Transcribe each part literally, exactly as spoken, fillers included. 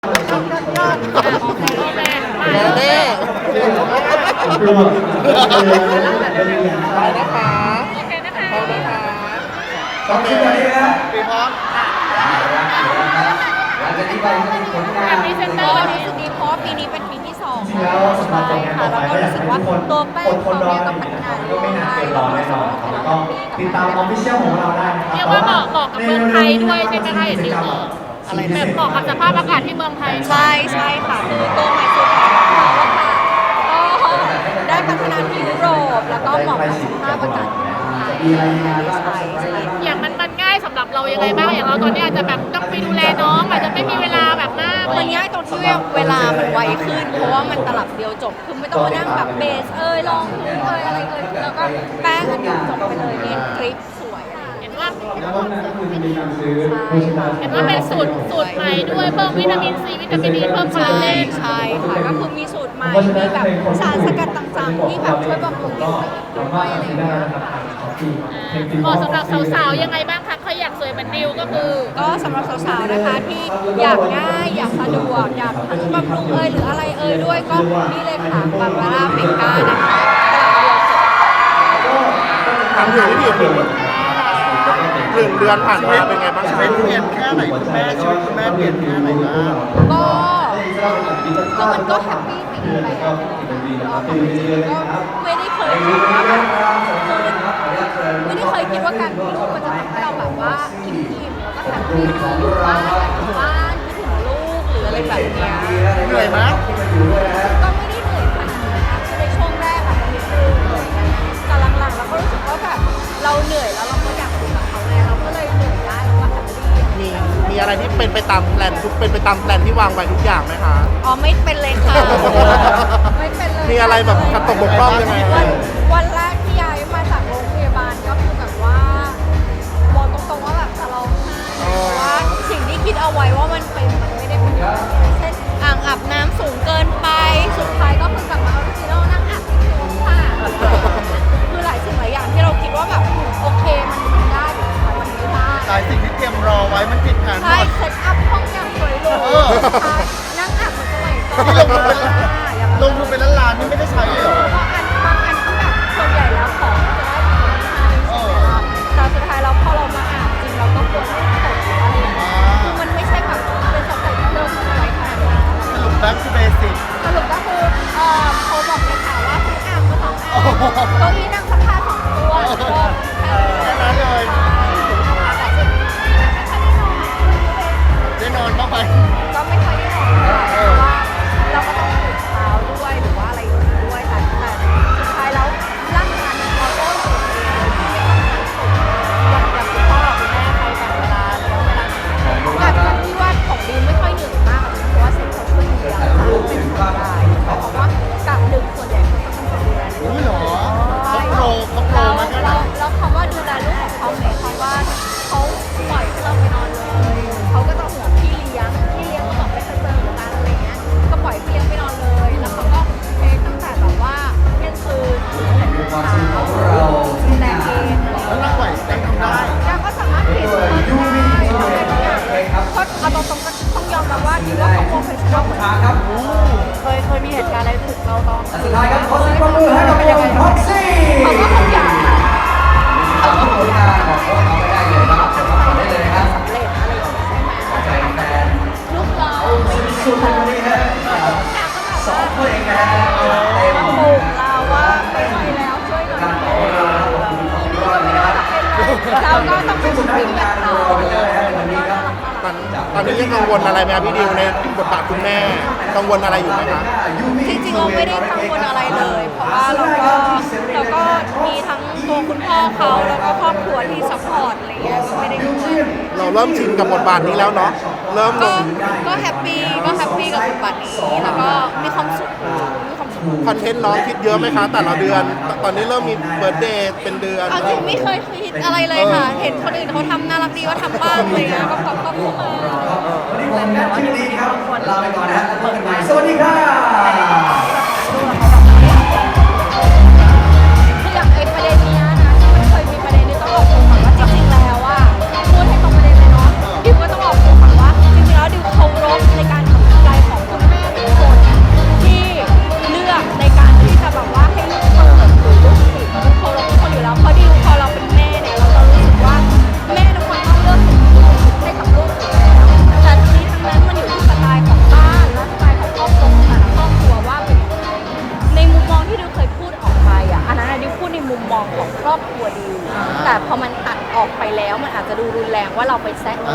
เด้ไปนะคะโอเคนะคะไปนะคะโอเคปีพร้อมหลังจากนี้ไปก็มีผลงานที่เป็นตัวรู้สึกดีเพราะว่าปีนี้เป็นปีที่สองแล้วใช่ค่ะแล้วก็รู้สึกว่าตัวแป้งเขาเนี่ยก็พัฒนาเรื่อยๆแล้วก็ติดตามออฟฟิเชียลของเราได้นะครับเรียกว่าเหมาะเหมาะกับเมืองไทยด้วยใช่ไหมคะอย่างที่บอกอะไรแบบเหมาะกับสภาพอากาศที่เมืองไทยใช่ใช่ค่ะคือตัวใหม่สุดของเราค่ะก็ได้พัฒนาที่ยุโรปแล้วก็เหมาะกับสภาพอากาศที่เมืองไทยใช่ใช่อย่างมันมันง่ายสำหรับเรายังไงบ้างอย่างเราตอนนี้อาจจะแบบต้องไปดูแลน้องอาจจะไม่มีเวลาแบบมากมันง่ายตรงที่เวลามันไวขึ้นเพราะว่ามันตลับเดียวจบคือไม่ต้องมานั่งแบบเบสเอ้ยลองพื้นเอ้ยอะไรเอ้ยแล้วก็แป้งอันเดียวจบไปเลยเน้นกริปสวยเห็นว่าแล้วก็นั่นก็คือจะมีการซื้อโภชนาเห็นว่าเป็นสูตรสูตรใหม่ด้วยเพิ่มวิตามินซีวิตามินดีเพิ่มคอลใช่ลาเจนใช่ค่ะก็คือมีสูตรใหม่มีแบบสารสกัดต่างๆที่แบบช่วยบำรุงผิวด้วยอะไรอย่างเงี้ยค่ะเหมาะสำหรับสาวๆยังไงบ้างคะใครอยากสวยเหมือนดิวก็คือก็สำหรับสาวๆนะคะที่อยากง่ายอยากสะดวกอยากทั้งบำรุงเอยหรืออะไรเอยด้วยก็นี่เลยค่ะบาบาร่าเมก้านะคะตลับเดียวจบทำอยู่ที่ผิวหนึ่งเดือนผ่านมาเป็นไงบ้างคะเปลี่ยนแค่ไหนคุณแม่ชีวิตคุณแม่เปลี่ยนแค่ไหนบ้างก็ก็มันก็แฮปปี้ไปอีกแบบก็ไม่ได้เคยคิดว่าแบบไม่ได้เคยคิดว่าการมีลูกมันจะทำให้เราแบบว่าอิ่มๆแล้วก็แฮปปี้อยู่บ้านอยู่บ้านคิดถึงลูกหรืออะไรแบบเนี้ยเหนื่อยไหมก็ไม่ได้เหนื่อยขนาดนั้นนะคือในช่วงแรกอะมันนิดนึงแต่หลังๆเราก็รู้สึกว่าแบบเราเหนื่อยแล้วเราก็อยากอยู่กับเขาไงเราก็เลยเหนื่อยได้แล้วก็แฮปปี้มีมีอะไรที่เป็นไปตามแพลนทุกเป็นไปตามแพลนที่วางไว้ทุกอย่างไหมคะอ๋อไม่เป็นเลยค่ะไม่เป็นเลยมีอะไรแบบขัดตกบกพร่องยังไงวันวันแรกที่ย้ายมาจากโรงพยาบาลก็คือแบบว่าบอกตรงๆว่าแบบจะร้องไห้เพราะว่าสิ่งที่คิดเอาไว้ว่ามันเป็นมันไม่ได้เป็นอย่างนั้นเช่นอ่างอาบน้ำสูงเกินไปสุดท้ายก็คือกลับมาออริจินอลนั่งอาบที่โรงค่ะคือหลายสิ่งหลายอย่างที่เราคิดว่าแบบโอเคมันมันได้แต่สุดท้ายมันไม่ได้หลายสิ่งที่เตรียมรอไว้มันผิดแผนหมใช่ดเซตอัพห้องอย่างสวยหรูเออใช่นั่งอาบเหมือนสมัยก่อนที่ลงทุนเป็นลงทุนเป็นล้านๆนี่ไม่ได้ใช้เลยเหรอบางอันบางอันที่แบบส่วนใหญ่แล้วของมันจะได้ของให้ใช่ไหมล่ะแต่สุดท้ายเราพอเรามาอาบจริงเราก็ควรต้องตกอะไรอย่างเงี้ยคือมันไม่ใช่แบบเป็นสเต็ปเดิมอะไรขนาดนั้นสรุป back to basic สรุปก็คือเอ่อเขาบอกเลยค่ะว่าทุกอาบก็ต้องอาบเก้าอี้นั่งสักผ้าสองตัวแล้วก็แค่นั้นเลยใช่แต่สุดท้ายไม่ค่อยได้นอนได้นอนบ้างไหมก็ไม่ค่อยได้นอนเพราะว่าเราก็ต้องตื่นเช้าด้วยหรือว่าอะไรอย่างนี้ด้วยแต่แต่สุดท้ายแล้วร่างกายเราก็ตื่นเองที่ไม่ต้องทำอย่างอย่างคุณพ่อคุณแม่ใครแบ่งเวลาเลี้ยงเวลาอาจจะที่ว่าของดีไม่ค่อยเหนื่อยมากเพราะว่าเซ็นเขาช่วยดูแลเราเป็นส่วนใหญ่เพราะว่ากะดึกส่วนใหญ่เขาจะเป็นคนดูแลในอุ้ยเหรอเขาโปรเขาโปรเรามาแค่ไหนเราเราคำว่าดูแลลูกของเขาหมายความว่าเขาปล่อยให้เราไปนอนเลยเขาก็จะห่วงพี่เลี้ยงพี่เลี้ยงก็บอกไม่เคยเจอเหมือนกันอะไรเงี้ยก็ปล่อยพี่เลี้ยงไปนอนเลยแล้วเขาก็เทคตั้งแต่แบบว่าเที่ยงคืนถึงเจ็ดโมงเช้าดูแลเองอะไรแล้วเงี้ยนั่งไหวนั่งทำได้ยังก็สามารถเปลี่ยนตัวได้ทำอะไรทุกอย่างก็เอาตรงๆก็ต้องยอมรับว่าคิดว่าเขาโปรเฟชชั่นอลเหมือนกันเคยเคยมีเหตุการณ์อะไรถึงเราตอนสุดท้ายครับขอเสียงปรบมือให้กับวงพ็อกซี่เขาก็คงอยากเขาก็คงอยากบอกว่าเขาไม่ได้เลยครับสมัครได้เลยครับสำเร็จอะไรอย่างนี้ใช่ไหมใจแฟนลูกเราสุดๆวันนี้ฮะสองเพลงนะฮะเต็มมาปลูกเราว่าไม่ไหวแล้วช่วยหน่อยการขอเวลาขอบคุณของรอดนะคเรารับก็ต้องซึ่เป็งนสุดท้ายวิ่งกาแบรบรต่ออไปเลยฮะวันนี้ครับตอนตอนนี้ยังกังวลอะไรไหมครับพี่ดิวในบทบาทคุณแม่กังวลอะไรอยู่ไหมคะจริงๆเราไม่ได้กังวลอะไรเลย เพราะว่าเราก็เราก็มีทั้งตัวคุณพ่อเขาแล้วก็ครอบครัวที่ซัพพอร์ตอะไรเงี้ยก็ไม่ได้กังวลเราเริ่มชินกับบทบาทนี้แล้วเนาะเริ่มลก็งก็แฮปปี้ก็แฮปปี้กับบทบาทนี้แล้วก็มีความสุขมีความสุขคอนเทนต์น้องคิดเยอะไหมคะแต่ละเดือนตอนนี้เริ่มมีเบิร์ธเดย์เป็นเดือนเอาจริงไม่เคยคิดอะไรเลยค่ะ เห็นคนอื่นเขาทำน่ารักดีว่าทำบ้างอะไรเงี้ยก็ก็ก็เข้ามาวันนี้ผมนัทชื่อดีครับลาไปก่อนนะฮะแล้วพบกันใหม่สวัสดีค่ะคืออย่างไอ้ประเด็นเนี้ยนะที่มันเคยมีประเด็นนี้ต้องออกตัวก่อนว่าจริงๆแล้วอ่ะพูดให้ตรงประเด็นเลยเนาะดิวก็ต้องออกตัวก่อนว่าจริงๆแล้วดิวเคารพในการทำง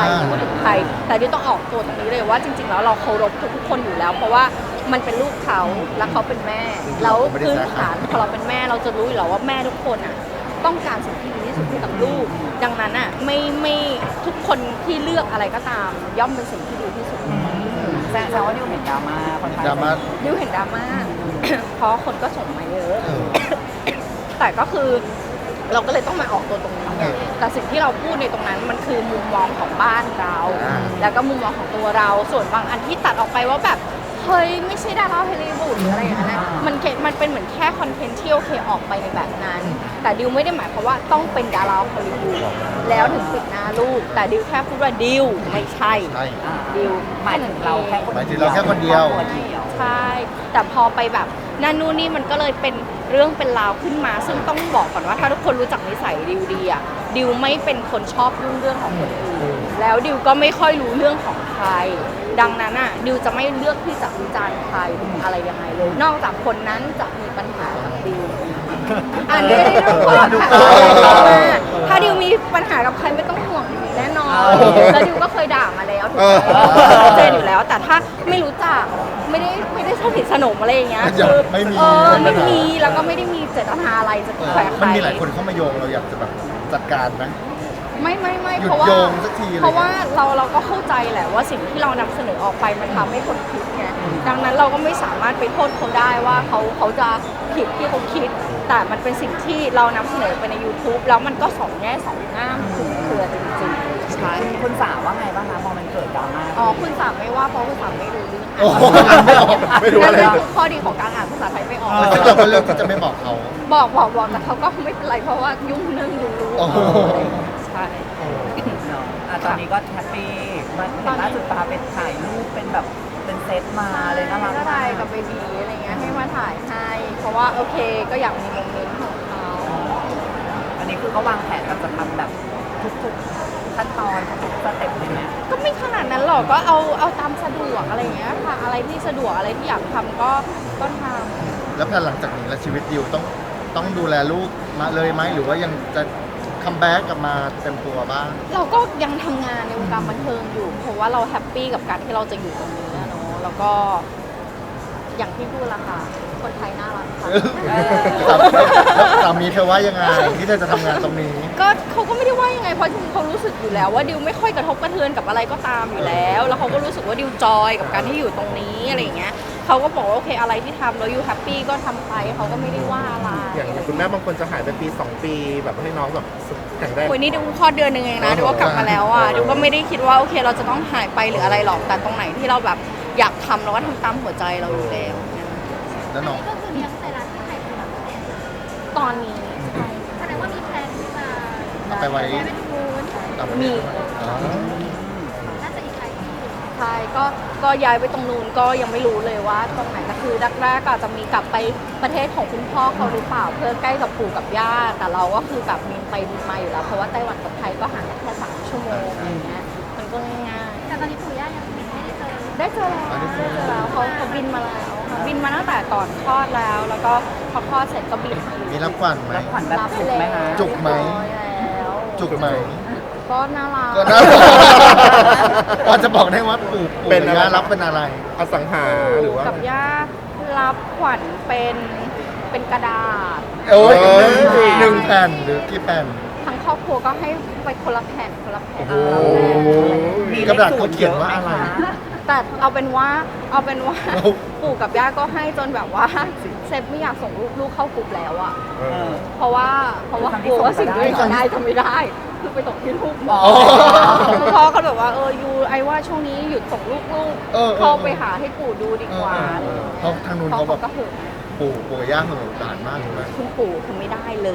รพูดถึงใครแต่ดิวต้องออกตัวตรงนี้เลยว่าจริงๆแล้วเราเคารพทุกๆคนอยู่แล้ว เพราะว่ามันเป็นลูกเขาและเขาเป็นแม่แล้วพื้นฐานพอเราเป็นแม่เราจะรู้อยู่แล้วว่าแม่ทุกคนอ่ะต้องการสิ่งที่ดีที่สุดให้กับลูกดังนั้นอ่ะไม่ไม่ทุกคนที่เลือกอะไรก็ตาม ย่อมเป็นสิ่งที่ดีที่สุดแสดงว่าดิวเห็นดราม่าค่อนข้างดราม่าดิวเห็นดราม่า เพราะคนก็ส่งมาเยอะเออแต่ก็คือเราก็เลยต้องมาออกตัวตรงนี้ไงแต่สิ่งที่เราพูดในตรงนั้นมันคือมุมมองของบ้านเราอ่าแล้วก็มุมมองของตัวเรา ส่วนบางอันที่ตัดออกไปว่าแบบเฮ้ยไม่ใช่ดาราฮอลลีวูดหรืออะไรอย่างนั้นนะมันแค่มันเป็นเหมือนแค่คอนเทนต์ที่โอเคออกไปในแบบนั้น แต่ดิวไม่ได้หมายความว่าต้องเป็นดาราฮอลลีวูดแล้วถึงปิดหน้าลูก แต่ดิวแค่พูดว่าดิวไม่ใช่ใช่ดิวหมายถึงเราแค่คนหมายถึงเราแค่คนเดียวใช่ แต่พอไปแบบนั่นนู่นนี่มันก็เลยเป็นเรื่องเป็นราวขึ้นมา ซึ่งต้องบอกก่อนว่าถ้าทุกคนรู้จักนิสัยดิวดีอะดิวไม่เป็นคนชอบยุ่งเรื่องของคนอื่นแล้วดิวก็ไม่ค่อยรู้เรื่องของใคร ดังนั้นอะดิวจะไม่เลือกที่จะวิจารณ์ใครอะไรยังไงเลย นอกจากคนนั้นจะมีปัญหากับดิวอันนี้ไม่ได้ต้องห่วงค่ะถ้าดิวมีปัญหากับใครไม่ต้องห่วงแน่นอนแล้วดิวก็เคยด่ามาแล้วถูกไหมชัดเจนอยู่แล้ว แต่ถ้าไม่รู้จักไม่ได้ไม่ได้สนิทสนมอะไรอย่างเงี้ยคือไม่มีเออไม่มีแล้วก็ไม่ได้มีเจตนาอะไรจะแขวะใคมันรมีหลายคนเข้ามาโยงเราอยากจะแบบจัดการไหมไม่ไม่ไม่หยุดเพราะว่าโยงสักทีอะไรเงี้ยเพราะว่าเราเราก็เข้าใจแหละว่าสิ่งที่เรานำเสนอออกไปมันทำให้คนคิดไงดังนั้นเราก็ไม่สามารถไปโทษเขาได้ว่าเขาเขาจะผิดที่เขาคิด แต่มันเป็นสิ่งที่เรานำเสนอไปใน YouTube แล้วมันก็สองแง่สองง่ามคือเครือจริงๆใช่คุณคุณสาวว่าไงบ้างคะพอมันเกิดดราม่าอ๋อคุณสามไม่ว่าเพราะคุณสามไม่รู้เรื่องโอ้โหไม่ออกไม่รู้อะไรนั่นคือข้อดีของการอ่านภาษาไทยไม่ออกซึ่งเราก็เลือกที่จะไม่บอกเขาบอกบอกบอกแต่เขาก็ไม่เป็นไรเพราะว่ายุ่งเรื่องดูรู้โอ้โหใช่เนาะอ่ะตอนนี้ก็แฮปปี้มันเห็นล่าสุดปาเป็นถ่ายรูปเป็นแบบเป็นเซตมาเลยน่ารักก็มาได้กกับเบบีอะไรเงี้ยให้มาถ่ายให้เพราะว่าโอเคก็อยากมีโมเมนต์ของเขาอันนี้คือก็วางแผนแบบจะทำแบบทุกๆขั้นตอนทุกๆสเต็ปเลยไหมก็ไม่ขนาดนั้นหรอกก็เอาเอาตามสะดวกอะไรเงี้ยค่ะอะไรที่สะดวกอะไรที่อยากทำก็ก็ทำแล้วแผนหลังจากนี้แล้วชีวิตดิวต้องต้องดูแลลูกมาเลยไหมหรือว่ายังจะคัมแบ็กกลับมาเต็มตัวบ้างเราก็ยังทำงานในวงการบันเทิงอยู่ เพราะว่าเราแฮปปี้กับการที่เราจะอยู่ตรงนี้อะเนาะแล้วก็อย่างที่พูดละค่ะคนไทยน่ารักค่ะสามีเธอว่ายังไงที่เธอจะทำงานตรงนี้ก็เขาก็ไม่ได้ว่ายังไงเพราะจริงๆเขารู้สึกอยู่แล้วว่าดิวไม่ค่อยกระทบกระเทือนกับอะไรก็ตามอยู่แล้ว แล้วเขาก็รู้สึกว่าดิวจอยกับการที่อยู่ตรงนี้อะไรอย่างเงี้ยเขาก็บอกว่าโอเคอะไรที่ทำแล้วอยู่แฮปปี้ก็ทำไปเขาก็ไม่ได้ว่าอะไรอย่างคุณแม่บางคนจะหายไปปีสองปีแบบให้น้องแบบแข็งแรงโอ้ยนี่ดิวคลอดเดือนหนึ่งเองนะดิวก็กลับมาแล้วอ่ะดิวก็ไม่ได้คิดว่าโอเคเราจะต้องหายไปหรืออะไรหรอกแต่ตรงไหนที่เราแบบอยากทำเราก็ทำตามหัวใจเราอยู่แล้วแล้วน้องก็คือเลี้ยงไซรัสที่ไทยเป็นหลักเนี่ยตอนนี้ใช่แสดงว่ามีแพลนที่จะเอาไปไว้ย้ายไปที่นู้นต่างประเทมีศอ๋อน่าจะอีกหลายปีอยู่ใช่ก็ก็ย้ายไปตรงนู้นก็ยังไม่รู้เลยว่าตรงไหนก็คือแรกๆก็อาจจะมีกลับไปประเทศของคุณพ่อเขาหรือเปล่าเพื่อใกล้กับปู่กับย่าแต่เราก็คือแบบบินไปบินมาอยู่แล้วเพราะว่าไต้หวันกับไทยก็ห่างกันแค่สามชั่วโมงอะไรเงี้ยมันก็ง่ายแต่ตอนนี้ปู่ย่ายังไม่ได้เจอๆได้เจอแล้วได้เจอแล้วเขาเขาบินมาแล้วค่ะบินมาตั้งแต่ก่อนคลอดแล้ว แล้วก็พอคลอดเสร็จก็บินมาอยู่มีรับขวัญไหมรับขวัญแบบจุกไหมคะจุกไหมเรียบร้อยแล้วจุกไหมก็น่ารักก็น่าพอจะบอกได้ว่าปู่ปู่เป็นกับอะไรย่ารับเป็นอะไรอสังหาหรือว่ากับย่ารับขวัญเป็นเป็นกระดาษโอ้ยเอ้ยหนึ่งแผ่นหรือกี่แผ่นทั้งครอบครัวก็ให้ไปคนละแผ่นคนละแผ่นโอ้โหมีกระดาษเขาเขียนว่าอะไรแต่เอาเป็นว่าเอาเป็นว่าเอาปู่กับย่าก็ให้จนแบบว่าเซฟไม่อยากส่งลูกลูกเข้ากลุ่มแล้วอะเออเพราะว่าเพราะว่ากลัวว่าสิ่งที่จะได้ทำไม่ได้ คือไปตกที่ลูกหมออ๋อคุณพ่อก็แบบว่าเออยูไอว่าช่วงนี้หยุดส่งลูกลูกเออเออเข้าไปหาให้ปู่ดูดีกว่าเออเออเพราะทางนู้นเพราะเขาแบบเขาก็หึงปู่ปู่กับย่าเหอะหลานมากเลยคุณปู่คือไม่ได้เลย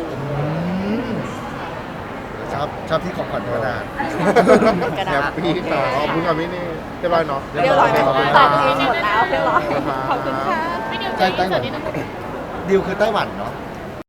ชอบชอบที่ของขวัญกระดาษกระแฮดาปษปี้ค่ะขอบคุณค่ะพี่นี่เรียบร้อยเนาะเรียบร้อยไหมเรียบร้อยตอบเองหมดแล้วเรียบร้อยขอบคุณค่ะไม่เดียวใช่ใจไต้หส่วัวน นนี้ต้องดิวคือไต้หวันเนาะ